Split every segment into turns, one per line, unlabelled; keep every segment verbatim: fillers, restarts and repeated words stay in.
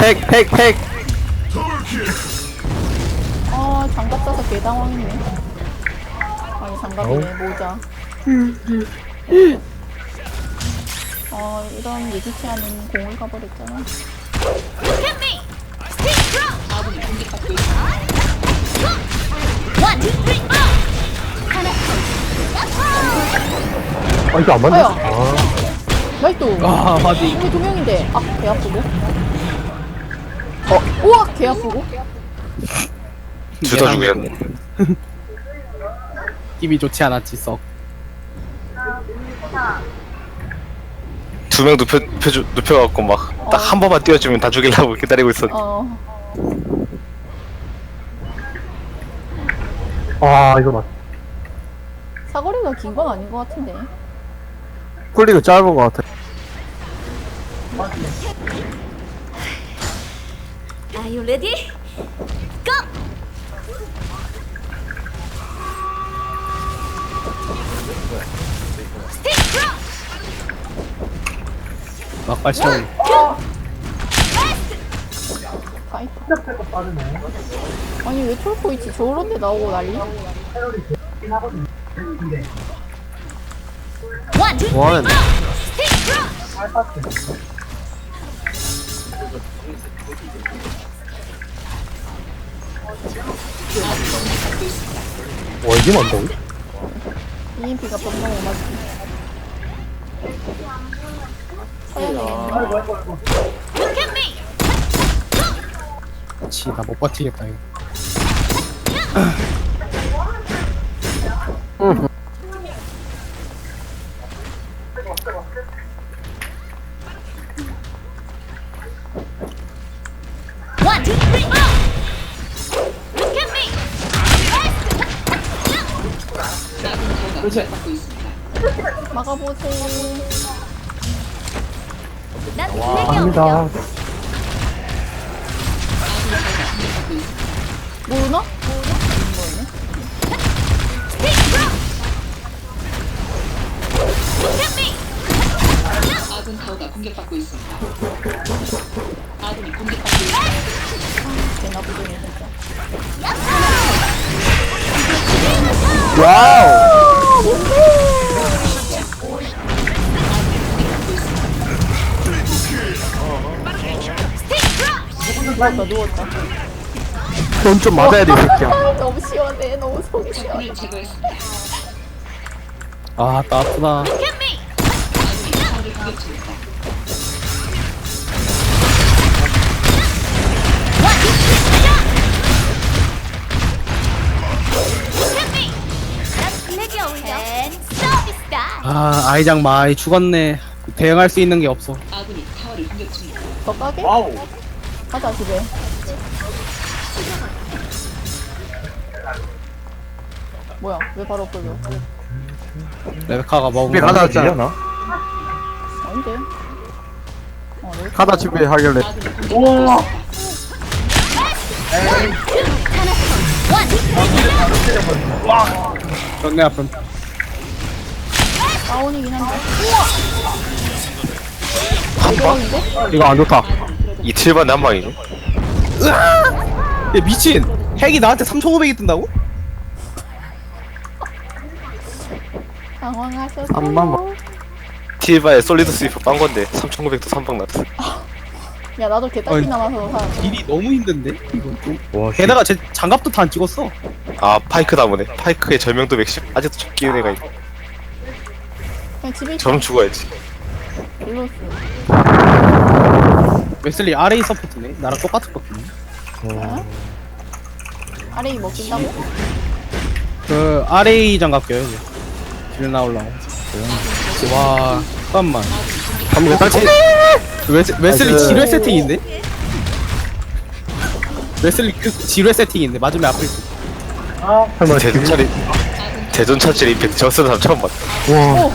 핵, 핵, 핵.
아 장갑 써서 개당황했네. 아니 장갑이네 모자. 어 이런 예기치 않은 공을 가버렸잖아.
아 이거 안 맞네.
아야.
아
나이스.
아, 맞지.
이게 두 명인데 아 개 아프고. 어 우와 개 아프고.
둘 다 죽였네.
힘이 좋지 않았지, 썩.
두 명 눕혀, 눕혀, 눕혀갖고 막 딱 한 번만 띄워주면 다 죽이려고 기다리고 있었.
어
아, 이거 맞.
사거리가 긴 건 아닌 것 같은데.
쿨리가 짧은 것 같아.
Are you ready? Go!
막발 시험.
가이. 아니 왜 톨코 있지? 저런데 나오고 난리?
One, two,
원. 와 이게 맞다고?
이엠피가 병력 못 맞지. 써야 되겠네.
look at me!
그치, 나 못 버티겠다, 이거.
One, two, three, go! Look at me!
막아보세요.
난 블랙이
갑니다.
없어.
모르나?
Look at me!
아군 타워가 공격받고 있습니다. 아군이 공격받고 있습니다.
개나 부정이 진짜.
와우.
누웠다 누웠다.
넌 좀 맞아야 돼, 이 새끼야.
아, 너무 시원해. 너무 속이 시원해.
적군을 제거했습니다.
아, 따뜻하다.
Look at me!
아군이 타워를 공격 중입니다.
One, two, three, go! Look at me! 난 블랙이 어울려. And 서비스다.
아, 아이장 많이 죽었네. 대응할 수 있는 게 없어.
아군이 타워를 공격 중입니다.
더 까게? 가자 집에. 뭐야? 왜 바로 끌려?
레베카가 먹은
집에
거.
가다 왔잖아.
아닌데? 어, 여기
가다 집에 하길래.
아군이 공격받고 있습니다.
존내 아픔.
다운이긴 한데.
한 방?
대박인데?
이거 안 좋다.
이틀 만에 한 방이죠.
야, 미친! 핵이 나한테 삼천오백이 뜬다고?
당황하셨어요.
삼만 번.
틸바에 솔리드 스위퍼 빤 건데 삼천구백도 삼 방 났어.
야 나도 개딱지
어이.
남아서 사.
딜이 너무 힘든데? 이거 좀.
와,
게다가 제 장갑도 다 안 찍었어.
아 파이크 나무네. 파이크의 절명도 백십. 아직도 적 끼는 애가 있고.
그냥 집에 있어.
저럼 죽어야지.
일로스.
웨슬리 알에이 서포트네. 나랑 똑같은 거같네.
어? 아래이 먹힌다고?
그 알에이 장갑 껴요. 이제. 길 나올라고. 와, 잠깐만.
한번 딱
웨스, 웨슬리
나이스.
지뢰 세팅인데? 웨슬리 그 지뢰 세팅인데 맞으면 아플 수.
설마
대전 차리 대전 차질 임팩트 저 쓰는 사람 처음 봤다.
와.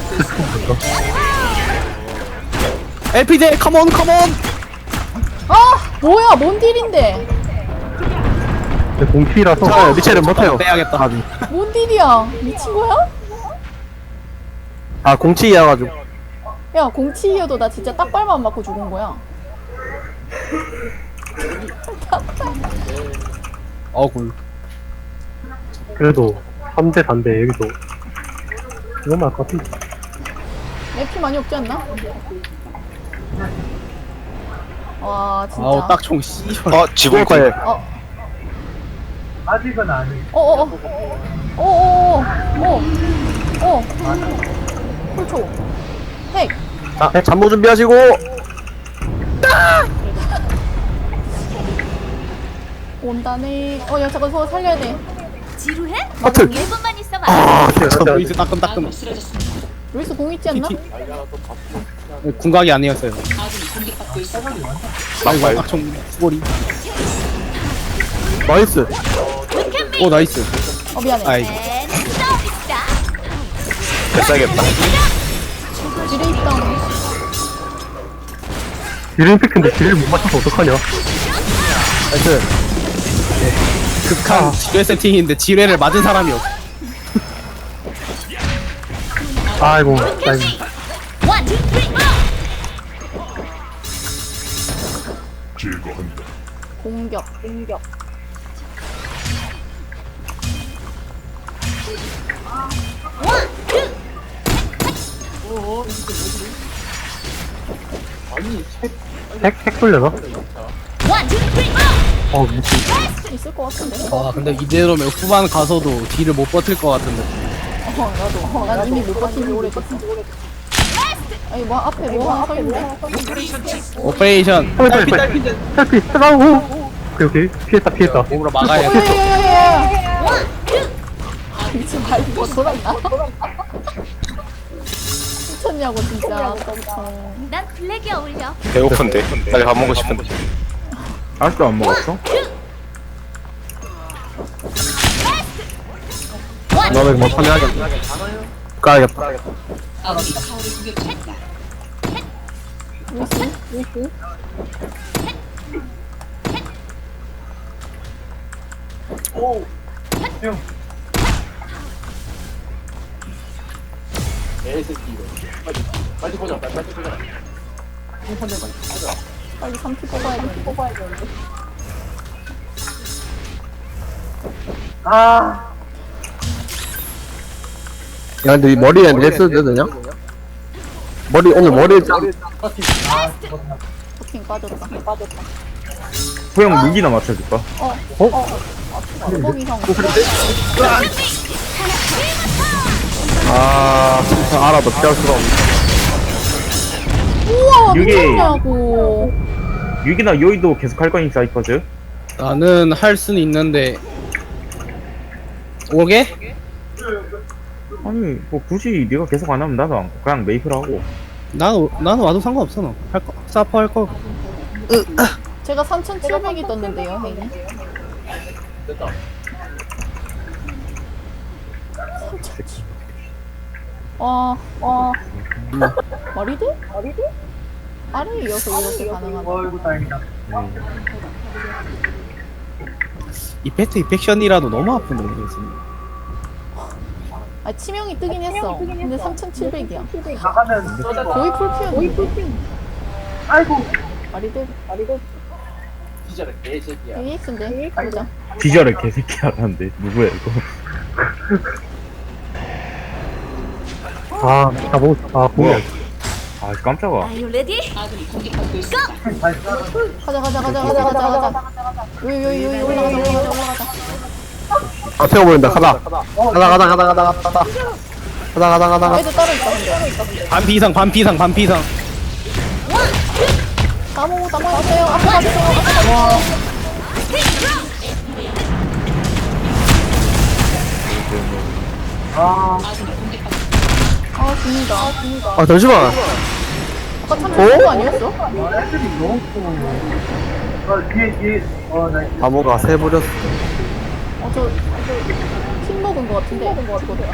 엘피제 컴온 컴온.
아 뭐야 뭔 딜인데?
공피라서 리체를 못해요.
빼야겠다.
아,
뭔 딜이야? 미친 거야?
아 공치이어가지고.
야 공치이어도 나 진짜 딱발만 맞고 죽은 거야.
어굴.
그래도 삼 대 반대 여기도 너무 할것 같은데.
내 피 많이 없지 않나? 와 진짜.
아우 딱총 씨발.
어 지붕
거에
어. 아직은 아니. 어어어. 어어어. 어. 어. 홀초. 핵.
자 잠모 준비하시고.
온다네. 어, 야, 잠깐 서 살려야 돼.
지루해?
하트.
일 분만 있어봐.
아
루이스 따끔따끔.
아군이 쓰러졌습니다.
루이스 공 있지 않나?
궁각이 아니었어요.
아군이 공격받고 있습니다.
아이고 딱총 수고리.
나이스.
오 나이스.
어, 미안해.
아이.
앤 서비스다.
됐어야겠다.
지뢰 있다.
딜 임팩트인데 딜을 못 맞춰서 어떡하냐. 나이스.
극한 지뢰 세팅인데 지뢰를 맞은 사람이 없어.
아이고 아이고.
원, 투, 쓰리, 고!
공격. 공격.
원, 투,
핵? 핵 돌려나?
원, 투, 쓰리, 고!
어 미친.
있을 것 같은데.
아 근데 이대로면 후반 가서도 딜을 못 버틸 것 같은데.
어, 나도. 어, 난 이미 못 버틴 지 오래됐어. 아니, 뭐, 앞에 뭐 하나 서 있네.
오페레이션.
빨리,
딸피
빨리.
딸피.
탈피 뜨가고. 오케이 오케이 피했다 피했다.
몸으로 막아야 돼.
야야야야야! 미친 말 이거 돌았나? 미쳤냐고, 진짜.
난 블랙이 어울려.
배고픈데 빨리 밥 먹고 싶은데.
아직도 안 먹었어?
원,
너는 뭐 판매하겠다. 가야겠다.
아군이 타워를 공격 중입니다.
루이스? 루이스? 빨리 삼 피 뽑아야 돼. 뽑아야 돼.
야 근데 이 머리에 넥스 되냐? 머리 오늘 머리 짱.
버킹 빠졌다. 빠졌다.
호영 무기나 맞춰줄까?
어?
어?
어? 뚜벅이 형.
아 알아도 피할 수가 없네.
우와,
이게-
미쳤냐고.
육이나 요이도 계속 할 거니 사이퍼즈?
나는 할 수는 있는데. 오게?
아니 뭐 굳이 네가 계속 안 하면 나도 안- 그냥 메이플 하고.
난 나는 와도 상관없어 너. 할 거. 사퍼 할 거.
제가 삼천칠백이 떴는데요, 형님. 와, 와. 말이 돼? 말이 돼? 아래에 이어서 이렇게 가능하다.
이펙트 이펙션이라도 너무 아픈데 모르겠어.
아, 치명이 뜨긴 했어. 근데 삼천칠백이야. 거의 풀피였는데. 거의 풀피. 아이고. 말이 돼? 말이 돼? 에이엑스인데? 가보자.
기절을 개새끼 하는데 누구야 이거?
아, 다 먹, 아,
뭐야?
뭐야.
아 깜짝아.
Are you ready?
아군이 공격받고 있습니다.
가자, 가자, 가자, 가자, 가자, 가자. 여기, 여기, 여기 올라가자, 올라가자, 올라가자.
아, 태워버린다. 가다. 가다, 가다, 가다, 가다, 가다. 가다, 가다, 가다, 가다.
애들 따로 있다, 근데.
반피 이상 반피 이상 반피 이상.
나무, 나무 가세요. 앞에 가세요. 앞에 가세요.
아군이 공격받고
아, 죽는다. 아, 죽는다.
아, 잠시만.
아까 삼천칠백 아니었어?
바보가 새버렸어.
어, 저, 저, 핀 먹은 거 같은데? 저거다.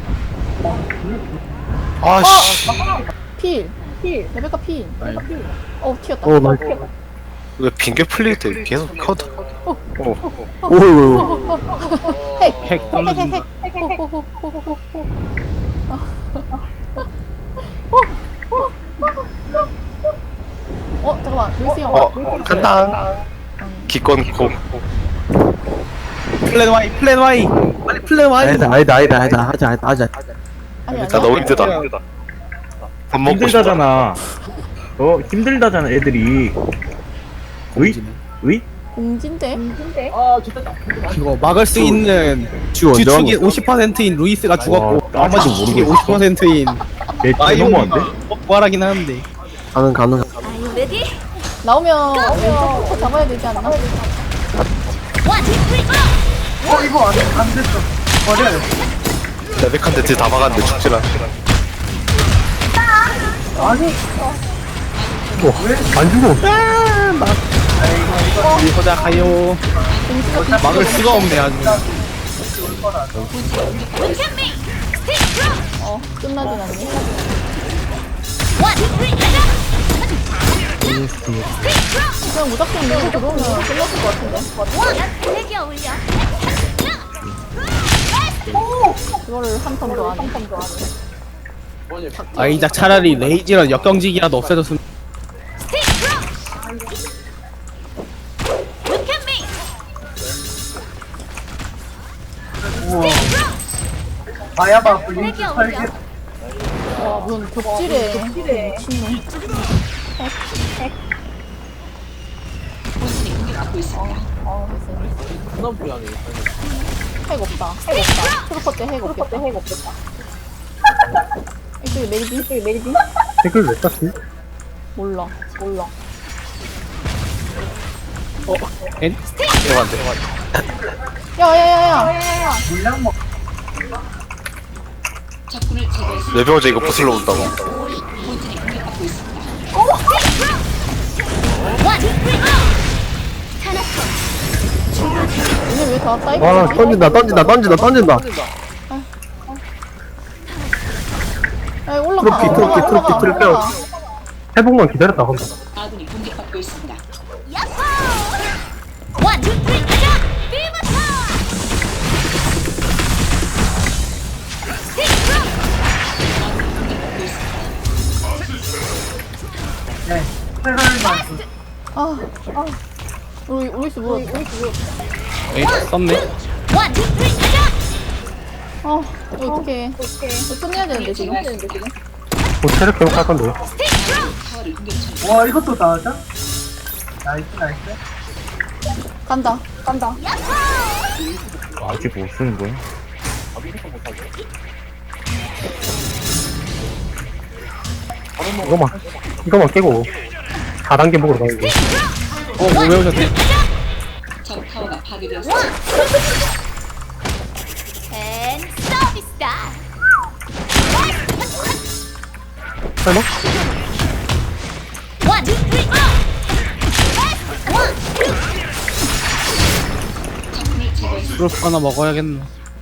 아씨.
필. 필. 레베카 필. 레베카 필. 어, 튀었다.
오, 나이스.
왜 빙계 풀릴 때 계속 커다. 어.
오, 오,
핵.
핵
핵,
떨어진.
핵, 핵, 핵, 핵, 호, 호, 호, 호, 호. 어, 잠깐만. 루이스 형.
어 간다. 기권 고.
플랜 Y 플랜 Y 빨리 플랜 Y.
아니다 아니다 아니다 아니다 하자 하자 하자.
아니 아니
나 너무 힘들다. 밥 먹고 싶다.
힘들다잖아. 어 힘들다잖아 애들이. 의? 의?
공진데?
이거 막을 수 있는
지금 언제
주축이
왔노?
오십 퍼센트인 루이스가 죽었고
와,
나머지
아직도
주축이
모르겠어.
오십 퍼센트인
내 너무한데?
부활하긴 하는데
가능 가능.
Are you ready?
나오면 왼쪽부터 잡아야 되지 않나?
One, two, three, go!
레베칸 대체 다 막았는데 죽질 않아.
안 죽어.
보자 가요. 막을 수가 없네 아주.
Look at me! Stick through!
어 끝나진 않네.
One, two, three, go! Stick through!
그냥 무작정 밀고 들어오면 끝났을 것 같은데.
One! 난 블랙이 어울려.
그거를 한 턴 더 하네.
아이작 차라리 레이지랑 역경직이라도 없애줬으면.
Stick through! Look at me! Stick through! 난 블랙이 어울려.
와 무슨 벽지래. 미친놈.
본진이 공격받고 있습니다.
어 됐어. 핵 없다. 핵 없다. 트루퍼 때 핵 없겠다. 핵 없겠다. 이쪽에 메리딘? 이쪽에 메리딘?
댓글 왜 땄지?
몰라. 몰라.
엔?
대박인데.
야야야야.
적군을 제거했습니다.
레베어제 이거 부슬러 온다고.
본진이 공격받고 있습니다.
One, two, three, go! 타나코!
얘네 왜 다 사이버?
와 던진다 던진다 던진다 던진다.
야 올라가.
트로피, 트로피,
올라가,
트로피,
올라가,
트로피.
올라가.
회복만 기다렸다 한다.
아군이 공격받고 있습니다.
야호! One, two, three, go! 비버 타워! Stick through!
아, 아. 우리 우리스 뭐? 우리스 뭐?
에이 썼네.
One, two, three, go!
아, 이거 어떡해. 이거 끝내야 되는데 지금.
뭐 체력 회복할 건데.
Stick through!
타워를 공격 중.
간다. 간다.
아직 못 쓰는 거야?
이거만 이거만 깨고 사 단계 먹으러 가야 돼.
어뭐 외우셨대?
적 타워가 파괴되었습니다.
And stop style!
설마?
One, two, three, go! One, two,
적군을 제거했습니다.
프로스 하나 먹어야겠네.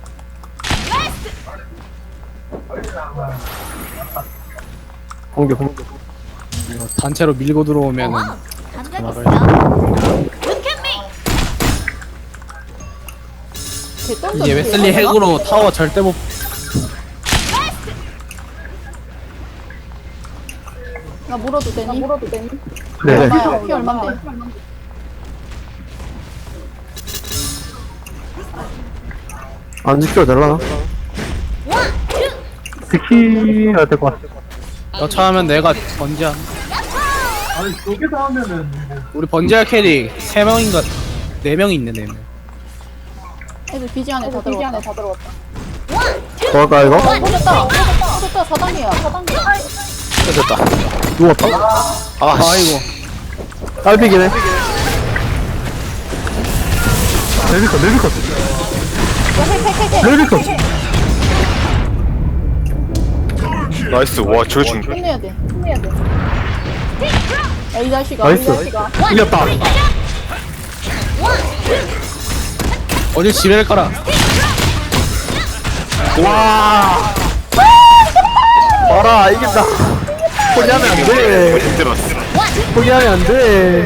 공격 공격.
이거 단체로 밀고 들어오면은
감각 있어. Look at me!
개똥
이제 웨슬리 핵으로 타워 절대 못.
나 물어도 되니? 나 물어도 되니?
네.
얼마야? 피 얼만데?
안 지켜도 될라나?
One, two,
지켜야 될 것 같아.
여차하면 내가 번지야. 우리 번지할 캐릭 세 명인가 네 명이 있네 네 명.
애들 비지 안에 다 들어왔다. 다 들어왔다.
one, two,
뭐 할까 이거?
어, 터졌다. 터졌다. 사 단계야. 사 단계.
됐다.
누웠다?
아,
아이고.
딸피기네. 멜비컷 멜비컷
핵핵핵핵.
멜비컷.
나이스. 와, 저게 죽네.
끝내야 돼. 끝내야 돼. 야, 이 자식아.
나이스.
이 자식아.
이겼다.
어딜 지뢰를 깔아.
와. 봐라 이긴다. 포기하면 안 돼.
힘들었어.
포기하면 안 돼.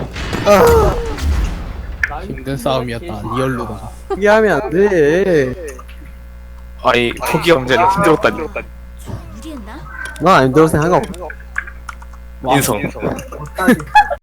아,
힘든 싸움이었다. 리얼로다.
포기하면 안 돼.
아니, 포기 경제는 힘들었다니.
무리했나?
난 안 힘들어서 상관없어.
인성.